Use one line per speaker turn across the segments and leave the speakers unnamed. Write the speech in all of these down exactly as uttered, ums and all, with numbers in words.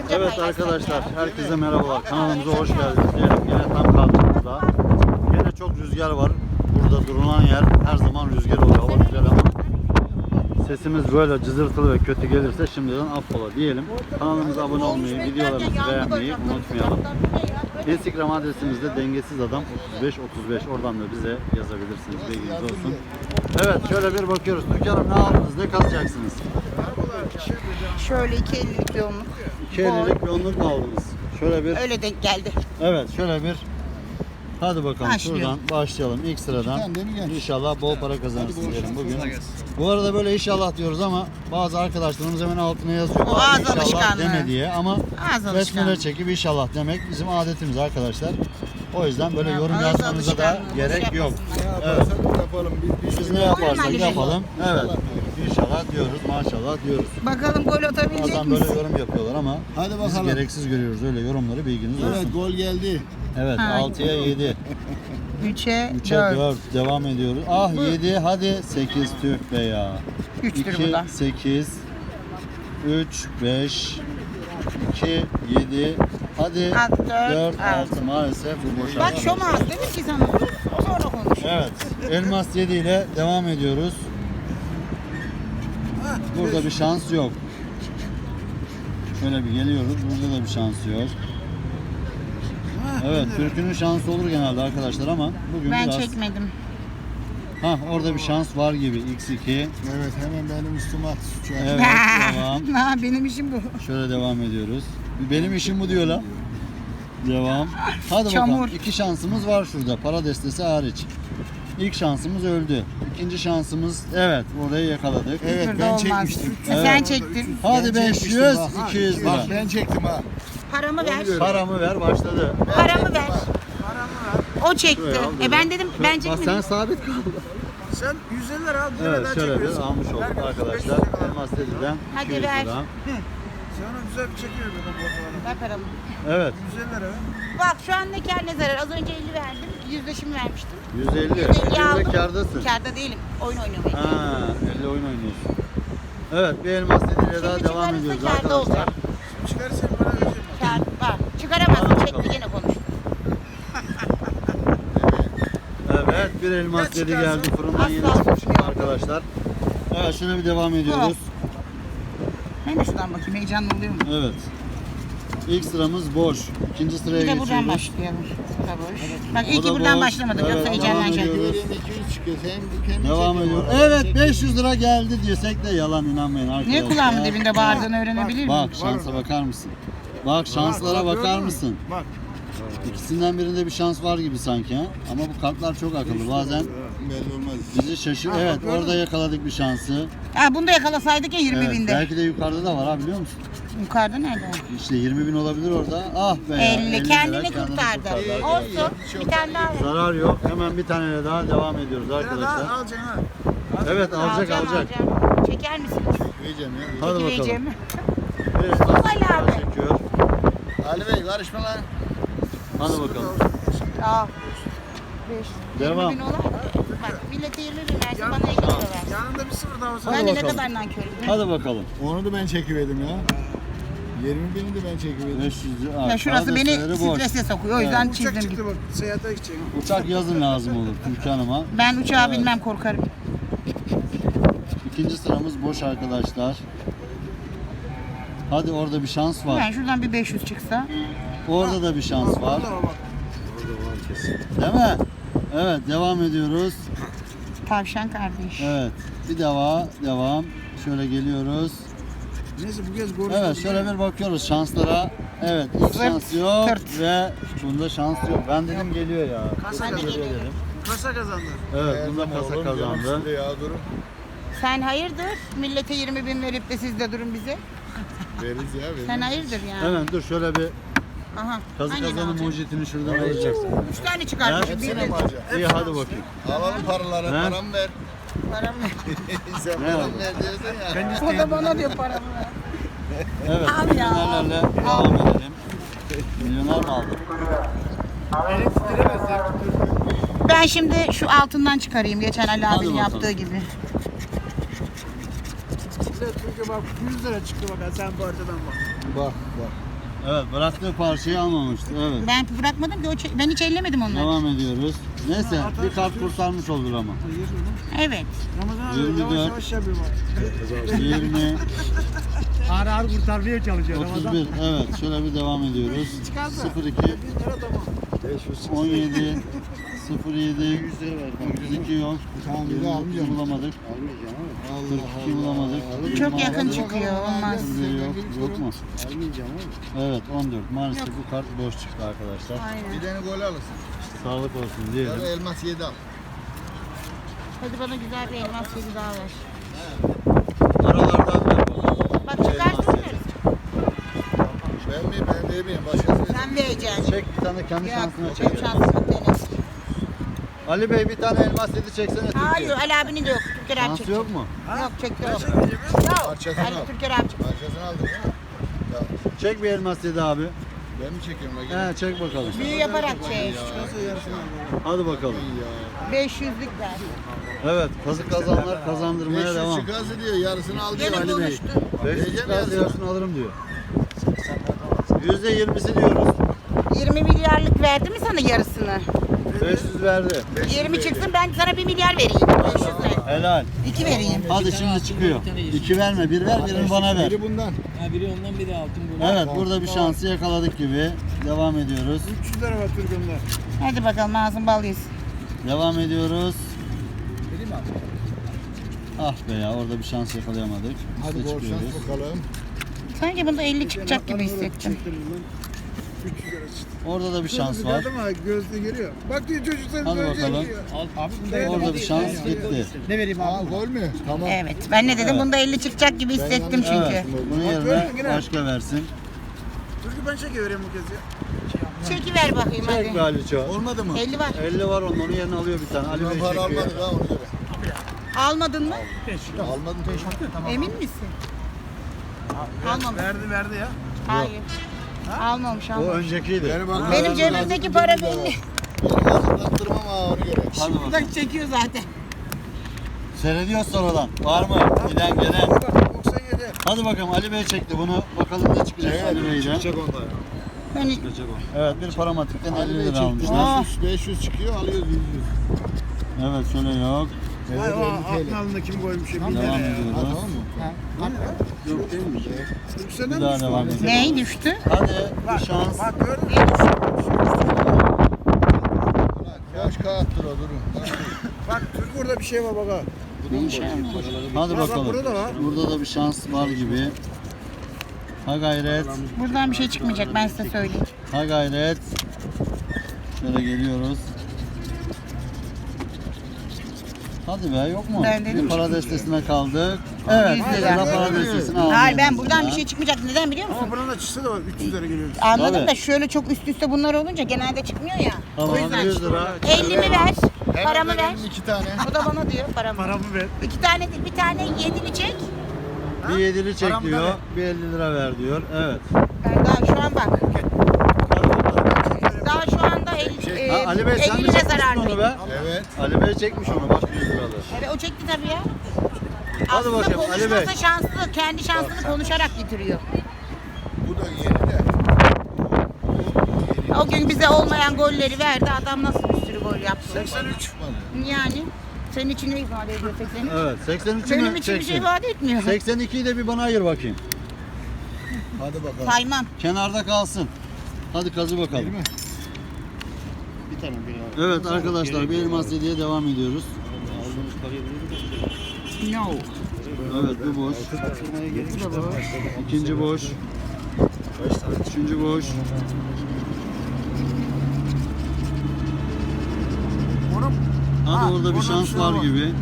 Evet arkadaşlar, herkese merhabalar. Kanalımıza hoş geldiniz diyelim. Yine tam kalktığımızda. Yine çok rüzgar var. Burada durulan yer her zaman rüzgar oluyor. Hava güzel ama sesimiz böyle cızırtılı ve kötü gelirse şimdiden affola diyelim. Kanalımıza abone olmayı, videolarımızı beğenmeyi unutmayalım. Instagram adresimizde dengesiz adam otuz beş otuz beş, oradan da bize yazabilirsiniz. Bilginiz olsun. Evet, şöyle bir bakıyoruz. Türkan'ım ne aldınız? Ne kazacaksınız?
Şöyle iki ellilik bir onluk.
iki ellilik bir onluk mu aldınız? Şöyle bir.
Öyle denk geldi.
Evet, şöyle bir. Hadi bakalım
Başlıyor.
şuradan başlayalım ilk sıradan. İnşallah bol para kazanırsınız diyelim bugün. Bu arada böyle inşallah diyoruz ama bazı arkadaşlarımız hemen altına yazıyor.
O ağız
İnşallah
alışkanlığı.
deme diye ama
Ağız
besmele
alışkanlığı.
çekip inşallah demek bizim adetimiz arkadaşlar. O yüzden böyle
Ya,
yorum
ağız
yazmanıza da
alışkanlığı,
gerek
boş
yok.
yapmasınlar.
Evet.
Yapalım. Biz,
Biz ne yaparsak
Ali Bey.
yapalım. Evet. İnşallah diyoruz, maşallah diyoruz.
Bakalım gol atabilecek
Bazen böyle
misin?
yorum yapıyorlar ama
Hadi
biz
bakalım.
gereksiz görüyoruz öyle yorumları, bilginiz
Evet,
olsun.
gol geldi.
Evet,
Ha.
altıya yedi.
Üçe
üçe
dört.
dört devam ediyoruz. Ah yedi, hadi sekiz, tüh be ya.
Üçtür bu da.
iki, sekiz, üç, beş, iki, yedi, hadi
Alt, dört,
dört,
altı.
altı, maalesef bu boş.
Bak şom ağız demiş ki sana. O sonra konuş.
Evet, elmas yedi ile devam ediyoruz. Burada bir şans yok. Şöyle bir geliyoruz, burada da bir şans yok. Evet, Türk'ünün şansı olur genelde arkadaşlar ama bugün
Ben
biraz...
çekmedim.
Hah, orada bir şans var gibi. X iki.
Evet, hemen benim üstüme at şu an.
Evet, devam.
Ha, benim işim bu.
Şöyle devam ediyoruz. Benim işim bu diyor lan. Devam. Hadi
Çamur.
bakalım. İki şansımız var şurada. Para destesi hariç. İlk şansımız öldü. İkinci şansımız, evet, orayı yakaladık.
Evet,
Burada
ben
olmaz.
çekmiştim.
Sen
Evet.
çektin.
Hadi
Ben
beş
çekmiştim
yüz,
bak.
iki yüz lira.
Bak ben çektim ha.
Paramı ver.
Paramı ver, başladı.
Paramı ver. O çekti.
Şuraya al,
E ben dedim
Şöyle-
ben
Bak
çekmedim.
sen sabit kaldın.
Sen yüz elli lira al, bir
Evet,
daha
şöyle bir
çekiyorsun.
almış olduk
Ver,
arkadaşlar.
beş yüz lira.
Elmas dediden
Hadi
iki yüz
ver.
lira.
Sana güzel bir çekiyor dedim fotoğrafı.
Ver paramı.
Evet,
yüz elli lira.
Bak şu an ne kar ne zarar. Az önce elli verdim. Yüzleşimi vermiştim.
yüz elli.
yüz elli
Şimdi
aldım.
kârdasın.
Kârda değilim. Oyun oynamayı.
Ha, elle oyun oynuyorsun. Evet, bir elmas dediyle daha
Şimdi
devam
çıkarırsa
ediyoruz
kârda
arkadaşlar.
olacak.
Çıkarırsan para vereceğim ben.
Kâr var. Çıkaramazsın.
Hadi
Çekme
bakalım.
gene konuş.
Evet, bir elmas
Ya
dedi
çıkarsın.
geldi fırından
Asla
yeni çıkmış
tutmuyor.
arkadaşlar. Evet, şöyle bir devam ediyoruz.
Ben de şuradan bakayım. Heyecanlı oluyor mu?
Evet. İlk sıramız boş. İkinci sıraya
Bir de buradan
geçiyoruz.
başlayalım. Bu da boş. Bak
O
iyi
da
ki buradan
boş.
başlamadık.
Evet,
Yoksa
devam
heyecanlanacak.
ediyoruz.
Birinin iki yüz çıkıyor. Sen kendin
Devam
çekiyorsun.
ediyor.
Arada
Evet,
çekiyorsun.
beş yüz lira geldi diyorsak da yalan, inanmayın arkadaşlar.
Niye kulağımın dibinde bağırdığını öğrenebilir miyim?
Bak şansa bakar mısın? Bak şanslara
Bak,
bakar
gördün mü?
mısın?
Bak.
İkisinden birinde bir şans var gibi sanki ha. Ama bu kartlar çok akıllı. Bazen
Belli olmaz.
bizi şaşır. Evet, orada yakaladık bir şansı.
Ha, bunu da yakalasaydık ya yirmi
Evet,
binde.
belki de yukarıda da var ha, biliyor musun?
Yukarıda nerede?
İşte yirmi bin olabilir orada. Ah be ya.
elli.
elli
Kendini
lira kendini
kurtardı.
arkadaşlar.
Olsun. Bir tane daha ver.
Zarar yok. Hemen bir taneyle daha devam ediyoruz
Bir lira daha
arkadaşlar.
alacaksın ha.
Evet, alacak
Alacağım,
alacak.
alacağım. Çeker misiniz?
Vereceğim ya.
Hadi bakalım.
Çekileceğim.
Evet,
Ali abi.
çekiyor.
Ali Bey karışma lan.
Hadi bakalım.
Aa. beş.
Devam.
yirmi bin olar. Bak millete yirmi bin versin bana elli lira ver.
Yanında bir sıfır daha olsa.
Ben de ne
bakalım.
kadar nankörüm.
Hadi bakalım.
Onu da ben çekiverdim ya. yirmi bini de ben çekiverdim.
beş yüz lira.
Ya şurası beni
Adresleri boş.
strese sokuyor. O yüzden
Uçak
çizdim.
çıktı bak. Seyahate gidecek.
Uçak yazın lazım olur Türkan Hanım'a.
Ben uçağa
Evet.
binmem, korkarım.
İkinci sıramız boş arkadaşlar. Hadi orada bir şans var.
Ben şuradan bir beş yüz çıksa.
Orada da bir şans var.
Orada var bak.
Değil mi? Evet, devam ediyoruz.
Tavşan kardeş.
Evet. Bir devam, devam. Şöyle geliyoruz.
Neyse bu kez gol.
Evet, şöyle bir bakıyoruz şanslara. Evet, ilk
Zırt,
şans yok
tırt.
ve bunda şans yok. Ben dedim geliyor ya.
Kasa
Kesin
kazandı.
geliyor dedim.
Kasa kazandı.
Evet, bunda kasa kazandı.
Ya durun.
Sen hayırdır? Millete yirmi bin verip de siz de durun bize.
Veririz ya. Veririz.
Sen hayırdır yani.
Hemen dur şöyle bir
Aha.
kazı
hangini
kazanın
alacaksın?
mucitini şuradan alacaksın.
Üç tane çıkartmışım.
Ha?
Bir
Hepsine
de
mi alacaksın?
İyi hadi bakayım.
Alalım paraları.
He?
Paramı ver.
paramı ver.
Sen
Ne
paramı
oldu?
ver diyorsun ya.
O da bana diyor paramı ver.
Evet,
Al ya.
milyonerlerle devam edelim. Milyoner mi aldın?
Ben şimdi şu altından çıkarayım. Geçen Ali
Hadi
abinin
bakalım.
yaptığı gibi.
Çünkü bak yüz lira çıktı bak sen bu haritadan bak.
Bak bak.
Evet, bıraktığı parçayı almamıştı. Evet.
Ben bırakmadım ki o çe- ben hiç ellemedim onları.
Devam ediyoruz. Neyse bir kart kurtarmış olur ama.
Evet.
Ramazan
yirmi
abi
dört.
yavaş yavaş yapıyor bak.
yirmi,
Ağır ağır kurtarmaya çalışıyor
otuz
Ramazan.
bir. Evet, şöyle bir devam ediyoruz. sıfır iki, on yedi, sıfır yedi, otuz iki yok.
Tamam, bir de
yirmi
almayacağım.
iki bulamadık.
Allah
kırk iki bulamadık.
Bu çok yakın çıkıyor, olmaz.
Yok, yok mu? Evet, on dört. Maalesef bu kart boş çıktı arkadaşlar.
Aynen.
Bir tane gol alırsın.
Sağlık olsun
Ya
diyelim.
da elmas yedi al.
Hadi bana güzel bir elmas yedi daha ver.
Aralardan da
Bak çıkarsın veririz.
Ben mi? Ben de miyim? Başkası.
Sen vereceksin.
çek bir tane kendi
Yok,
şansına
benim
çek.
şansımı dene.
Ali Bey bir tane elmas yedi çeksene Türkiye.
Hayır, Ali abinin de yok. Türker abi
Şansı
çekti.
yok mu?
Yok, çekti yok.
Parçasını
Ali
al.
Türker abi çekti.
Parçasını aldın değil mi? Ya
Çek bir elmas yedi abi.
ben mi çekiyorum la?
He çek bakalım.
Büyü yaparak çek.
Hadi bakalım.
beş yüzlük ver.
Evet kazık kazanlar kazandırmaya
beş
devam.
yüz çıkarsa diyor yarısını al diyor
Gene
Ali Bey.
konuştu.
beş yüz
Vereceğim
çıkarsa
yarısını.
yarısını alırım diyor. yüzde yirmisi diyoruz.
yirmi milyarlık verdi mi sana yarısını?
beş yüz verdi.
yirmi çıksın ben sana bir milyar vereyim. beş yüz ver.
Helal.
iki vereyim.
Hadi şimdi çıkıyor. İki verme, bir ver, birini bana ver.
Biri bundan.
Ha, biri ondan biri altın bu.
Evet, burada bir şansı yakaladık gibi. Devam ediyoruz.
üç yüz lira var Türkan'da.
Hadi bakalım ağzın bal yesin.
Devam ediyoruz. Ah be ya, orada bir şans yakalayamadık.
Hadi
Üste
bol
çıkıyoruz.
şans bakalım.
Sanki bunda elli çıkacak gibi hissettim.
üç yüz lira çıktı.
Orada da bir şans var.
Gördün mü? Gözle geliyor. Bak diyor çocuk sen
Hadi
gözle
bakalım.
geliyor.
Orada bir şans gitti.
Ne vereyim
Aa
abi?
gol mü? Tamam.
Evet. Ben ne dedim? Bunda elli çıkacak gibi hissettim çünkü.
Evet, bunun yerine başka versin.
Türkü ben çekivereyim bu kez ya.
Çekiver bakayım
Çek be
hadi.
Aliço.
Olmadı mı?
elli var.
elli var onun, onun yerine alıyor bir tane. Ali
Ben
Bey
para
çekiyor.
almadık ha ona göre.
Almadın mı?
Almadım teşekkür.
Emin misin? Almamış.
Verdi verdi ya.
Hayır. Almamış
O
almamış.
öncekiydi.
Beni bak.
Benim cebimdeki para belli.
Kazıklattırmam ha ona göre.
Hadi bakalım.
Bak çekiyor zaten.
Seyrediyoruz sonradan. Var mı? Giden gelen.
Bak doksan yedi.
Hadi bakalım Ali Bey çekti bunu. Bakalım ne çıkacak Ali Bey'den.
Çıkacak onda ya.
Ben hiç...
Evet bir paramatikten
Ali
elli
Bey
lira
çekti.
almışlar.
beş yüz, beş yüz çıkıyor alıyoruz yüz yüz.
Evet şöyle yok.
Vay
Evet
o
elli
aklın
T L.
alnında kim koymuş ya?
Devam
bin lira ya.
Ha
ediyoruz.
tamam mı?
Türk senden
Bir
mi
daha
düştü?
devam edelim.
Ney düştü?
Hadi bir şans.
Bak gördün mü?
Boş kağıttır o durun.
Bak Türk burada bir şey var bak ha.
Hadi
Bak, bak,
bakalım.
burada da var.
Burada da bir şans var gibi. Ha gayret.
Buradan bir şey çıkmayacak ben size söyleyeyim.
Ha gayret. Şöyle geliyoruz. Hadi be yok mu?
Ben dedim
Bir para destesine kaldık. Evet,
yüz
bir
lira.
lira para destesini aldık.
Hayır ben buradan bir şey çıkmayacak. Neden biliyor musun?
Ama buranın da çıksa da var üç yüz lira geliyor.
Anladım
Tabii.
da şöyle çok üst üste bunlar olunca genelde çıkmıyor ya.
Tamam,
O yüzden
yüz lira.
ellimi ver, paramı ver.
Benim iki tane.
O da bana diyor paramı.
Paramı ver.
İki tane değil, bir tane yedili çek.
Bir yedili çek
Paramı da
diyor.
ver.
Bir elli lira ver diyor. Evet.
Ben daha şu an bak.
Hadi bakalım.
Daha şu anda el, e,
Ha, Ali Bey sen
elli
mi
lira
çekmişsin
zararlıyım.
onu be?
Evet.
Ali Bey çekmiş onu bak yüz liralık.
Evet o çekti tabii ya.
Hadi
Aslında
bakayım, Ali Bey.
konuşmasa şanslı, kendi şansını konuşarak getiriyor.
Bu da yeni de.
O gün bize olmayan golleri verdi. Adam nasıl bir sürü gol yaptı.
seksen üç.
Yani senin için ne ifade ediyor seksen üç?
Evet. seksen üçü
Benim
mü
için bir şey
çektin?
ifade etmiyor.
seksen ikiyi de bir bana ayır bakayım.
Hadi bakalım.
Saymam.
Kenarda kalsın. Hadi kazı bakalım.
Değil mi?
Evet arkadaşlar bir elmas yediye devam ediyoruz.
No.
Evet bu boş. İkinci boş. Üçüncü boş.
Onun
Hadi
Ha,
orada bir
orada
şans
bir şey
var
var.
gibi.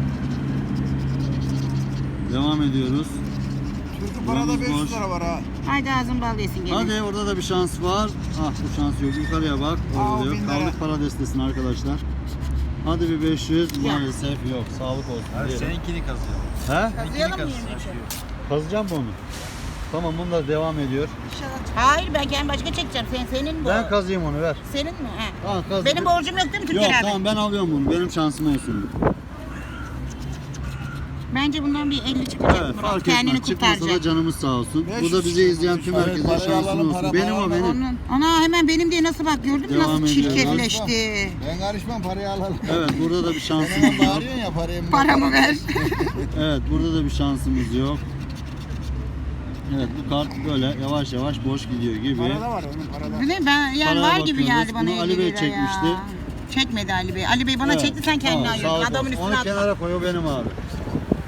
Devam ediyoruz.
Türk'ün parada beş yüz lira var ha.
Haydi ağzın bal yesin gene.
Hadi orada da bir şans var. Ah bu şans yok. Yukarıya bak.
Aa,
Orada da
bin
yok.
lira.
Kaldık para destesine arkadaşlar. Hadi bir beş yüz. Maalesef yok. Sağlık olsun. diyelim.
Seninkini kazıyor.
He?
Kazıyalım mı yirmi üçü?
Kazacağım mı onu? Tamam bunda devam ediyor.
Hayır ben kendi başka çekeceğim. Sen, senin bu.
Ben kazıyım onu ver.
Senin mi? He.
Ha, kaz.
Benim borcum yok değil mi
Yok
Türker abi?
tamam ben alıyorum bunu. Benim şansım olsun.
Bence bundan bir elli çıkacak.
Evet,
Murat.
fark
Kendini
etmez. Çıkmasa da
kurtaracak.
canımız sağ olsun.
beş
Bu da
yüz
bizi
çıkıyor.
izleyen tüm
Evet,
herkese
parayı
şansın
alalım,
olsun.
para
Benim o
alalım.
benim.
Onun, ana hemen benim diye nasıl bak gördün mü
Devam
nasıl
ediyoruz.
çirkefleşti.
Ben karışmam, parayı alalım.
Evet, burada da bir
Sen
şansımız
hemen
yok.
bağırıyorsun ya parayı.
Paramı ver.
Evet, burada da bir şansımız yok. Evet, bu kart böyle yavaş yavaş boş gidiyor gibi.
Parada var onun parada.
Bu ne ben yani
Paraya
var gibi
bakıyoruz.
geldi bana
Bunu
elli
Ali Bey
lira
çekmişti.
ya. Çekmedi Ali Bey. Ali Bey bana
Evet.
çekti sen kendine
Tamam,
ayırdın.
sağ ol.
Adamın üstüne
Onu
atma.
kenara koy, o benim abi.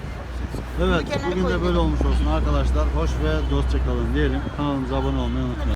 Evet,
kenara
bugün de
koy.
böyle olmuş olsun arkadaşlar. Hoş ve dostça kalın diyelim. Kanalımıza abone olmayı unutmayın.